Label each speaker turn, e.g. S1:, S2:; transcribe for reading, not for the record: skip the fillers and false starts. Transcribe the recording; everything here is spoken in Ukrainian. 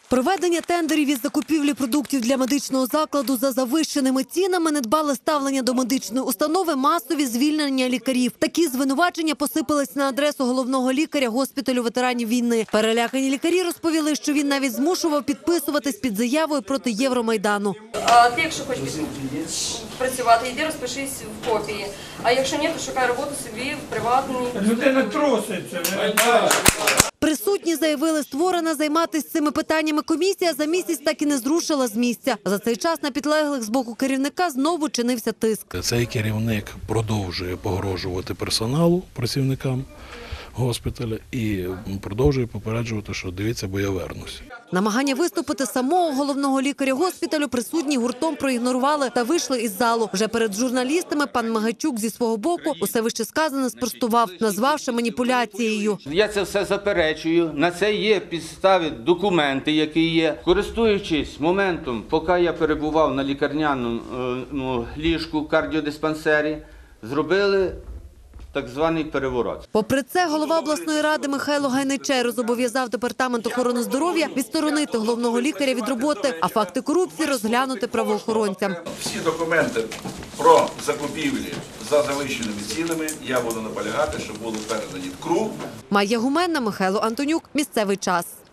S1: Проведення тендерів із закупівлі продуктів для медичного закладу за завищеними цінами, недбале ставлення до медичної установи, масові звільнення лікарів. Такі звинувачення посипались на адресу головного лікаря госпіталю ветеранів війни. Перелякані лікарі розповіли, що він навіть змушував підписуватись під заявою проти Євромайдану.
S2: А ти, якщо хочеш працювати, йди розпишись в копії. А якщо ні, то шукай роботу собі в приватній.
S3: Людина труситься.
S1: Присутні заявили, створена займатися цими питаннями комісія за місяць так і не зрушила з місця. За цей час на підлеглих з боку керівника знову чинився тиск.
S4: Цей керівник продовжує погрожувати персоналу, працівникам госпіталя і продовжує попереджувати, що дивіться, бо я вернусь.
S1: Намагання виступити самого головного лікаря госпіталю присутні гуртом проігнорували та вийшли із залу. Вже перед журналістами пан Магайчук зі свого боку усе вище сказане спростував, назвавши маніпуляцією.
S5: Я це все заперечую. На це є підстави, документи, які є. Користуючись моментом, поки я перебував на лікарняному ліжку в кардіодиспансері, зробили так званий переворот.
S1: Попри це, голова обласної ради Михайло Гайничеру зобов'язав департамент охорони здоров'я відсторонити головного лікаря від роботи, а факти корупції розглянути правоохоронцям.
S6: Всі документи про закупівлі за завищеними цінами я буду наполягати, щоб були передані в КРУ.
S1: Майя Гуменна, Михайло Антонюк. Місцевий час.